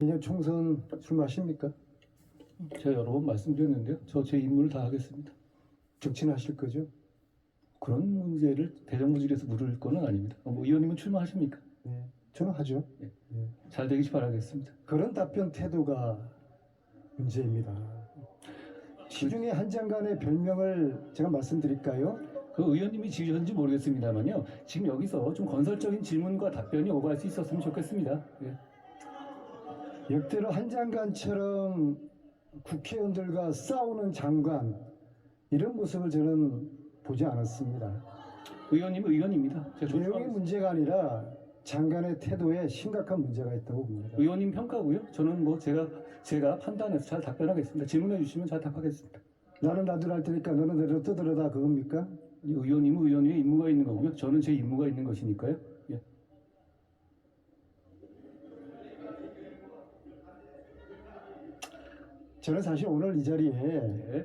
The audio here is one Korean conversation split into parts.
내년 총선 출마하십니까? 제가 여러 번 말씀드렸는데요. 저 제 임무를 다 하겠습니다. 정치하실 거죠? 그런 문제를 대정부질에서 물을 거는 아닙니다. 뭐 의원님은 출마하십니까? 네, 저는 하죠. 네. 네. 잘 되길 바라겠습니다. 그런 답변 태도가 문제입니다. 시중에 한 장관의 별명을 제가 말씀드릴까요? 그 의원님이 지으셨는지 모르겠습니다만요. 지금 여기서 좀 건설적인 질문과 답변이 오갈 수 있었으면 좋겠습니다. 예. 역대로 한 장관처럼 국회의원들과 싸우는 장관, 이런 모습을 저는 보지 않았습니다. 의원님은 의원입니다. 제가 내용의 존중하겠습니다. 문제가 아니라 장관의 태도에 심각한 문제가 있다고 봅니다. 의원님 평가고요. 저는 뭐 제가 판단해서 잘 답변하겠습니다. 질문해 주시면 잘 답하겠습니다. 나는 나도 할 테니까 너는 내려 떠들어다, 그겁니까? 의원님은 의원님의 임무가 있는 거고요. 저는 제 임무가 있는 것이니까요. 예. 저는 사실 오늘 이 자리에 네.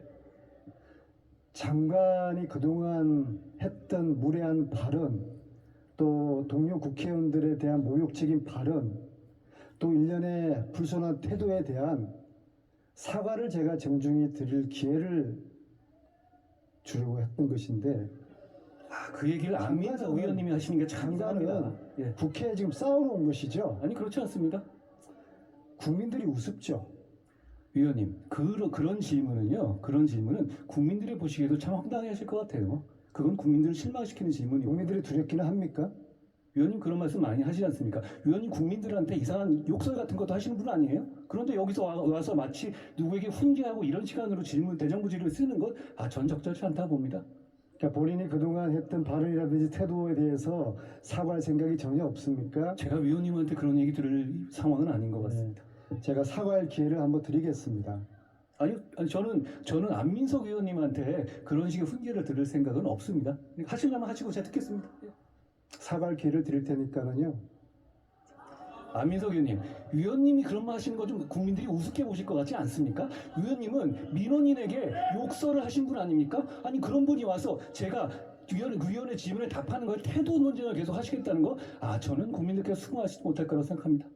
장관이 그동안 했던 무례한 발언, 또 동료 국회의원들에 대한 모욕적인 발언, 또 일련의 불손한 태도에 대한 사과를 제가 정중히 드릴 기회를 주려고 했던 것인데, 그 얘기를 안민석 장관은- 의원님이 하시는 게 참 이상합니다. 장관은 예. 국회에 지금 싸우러 온 것이죠. 아니 그렇지 않습니다. 국민들이 우습죠. 위원님, 그런 질문은요. 그런 질문은 국민들이 보시기에도 참 황당해하실 것 같아요. 그건 국민들을 실망시키는 질문이고. 국민들이 두렵기는 합니까? 위원님 그런 말씀 많이 하시지 않습니까? 위원님 국민들한테 이상한 욕설 같은 것도 하시는 분 아니에요? 그런데 여기서 와서 마치 누구에게 훈계하고 이런 시간으로 대정부 질문을 쓰는 것, 전 적절치 않다고 봅니다. 그러니까 본인이 그동안 했던 발언이라든지 태도에 대해서 사과할 생각이 전혀 없습니까? 제가 위원님한테 그런 얘기 들을 상황은 아닌 것 같습니다. 제가 사과할 기회를 한번 드리겠습니다. 아니 저는 안민석 의원님한테 그런 식의 훈계를 들을 생각은 없습니다. 하시려면 하시고 제가 듣겠습니다. 예. 사과할 기회를 드릴 테니까는요. 안민석 의원님, 위원님이 그런 말 하시는 거 좀 국민들이 우습게 보실 것 같지 않습니까? 위원님은 민원인에게 욕설을 하신 분 아닙니까? 아니 그런 분이 와서 제가 위원의 질문에 답하는 거에 태도 논쟁을 계속 하시겠다는 거, 저는 국민들께서 수긍하지 못할 거라고 생각합니다.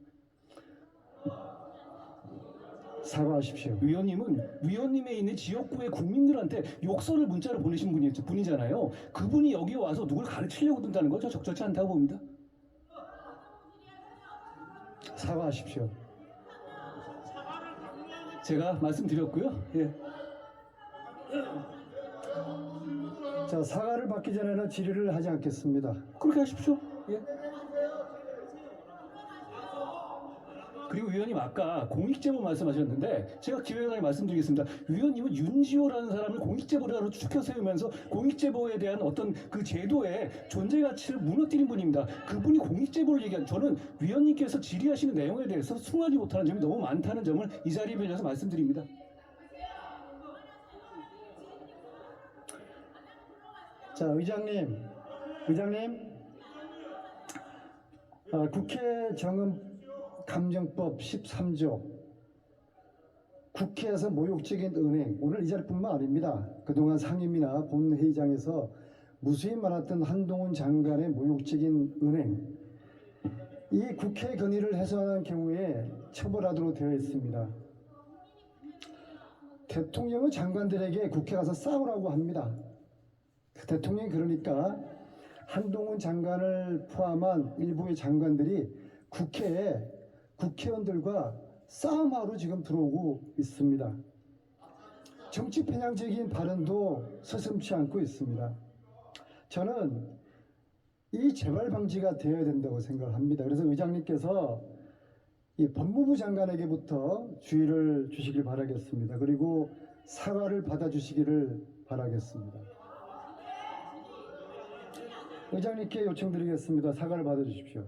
사과하십시오. 위원님에 있는 지역구의 국민들한테 욕설을 문자로 보내신 분이잖아요. 그분이 여기 와서 누굴 가르치려고 든다는 거 저 적절치 않다고 봅니다. 사과하십시오. 제가 말씀드렸고요. 예. 자, 사과를 받기 전에는 질의를 하지 않겠습니다. 그렇게 하십시오. 예. 그리고 위원님 아까 공익제보 말씀하셨는데 제가 기획안에 말씀드리겠습니다. 위원님은 윤지호라는 사람을 공익제보자로 추켜 세우면서 공익제보에 대한 어떤 그 제도의 존재 가치를 무너뜨린 분입니다. 그분이 공익제보를 얘기한, 저는 위원님께서 질의하시는 내용에 대해서 수긍하지 못하는 점이 너무 많다는 점을 이 자리에 빌려서 말씀드립니다. 자, 의장님, 국회 정음 감정법 13조, 국회에서 모욕적인 은행, 오늘 이 자리뿐만 아닙니다. 그동안 상임이나 본회의장에서 무수히 많았던 한동훈 장관의 모욕적인 은행, 이 국회 건의를 해소하는 경우에 처벌하도록 되어 있습니다. 대통령은 장관들에게 국회 가서 싸우라고 합니다. 대통령이 그러니까 한동훈 장관을 포함한 일부의 장관들이 국회에 국회의원들과 싸움하러 지금 들어오고 있습니다. 정치 편향적인 발언도 서슴지 않고 있습니다. 저는 이 재발 방지가 되어야 된다고 생각합니다. 그래서 의장님께서 이 법무부 장관에게부터 주의를 주시길 바라겠습니다. 그리고 사과를 받아주시기를 바라겠습니다. 의장님께 요청드리겠습니다. 사과를 받아주십시오.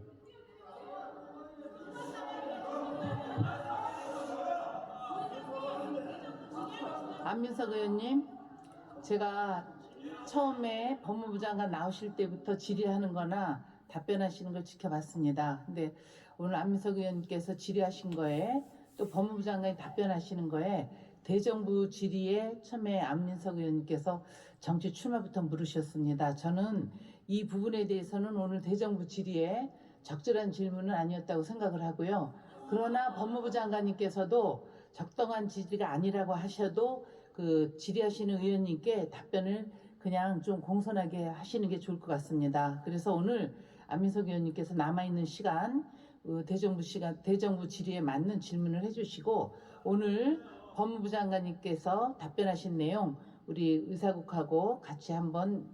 안민석 의원님, 제가 처음에 법무부 장관 나오실 때부터 질의하는 거나 답변하시는 걸 지켜봤습니다. 근데 오늘 안민석 의원님께서 질의하신 거에 또 법무부 장관이 답변하시는 거에 대정부 질의에 처음에 안민석 의원님께서 정치 출마부터 물으셨습니다. 저는 이 부분에 대해서는 오늘 대정부 질의에 적절한 질문은 아니었다고 생각을 하고요. 그러나 법무부 장관님께서도 적당한 질의가 아니라고 하셔도 그 질의하시는 의원님께 답변을 그냥 좀 공손하게 하시는 게 좋을 것 같습니다. 그래서 오늘 안민석 의원님께서 남아있는 시간 대정부 질의에 맞는 질문을 해주시고 오늘 법무부 장관님께서 답변하신 내용 우리 의사국하고 같이 한번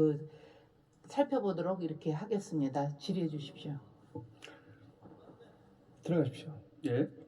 살펴보도록 이렇게 하겠습니다. 질의해 주십시오. 들어가십시오. 예.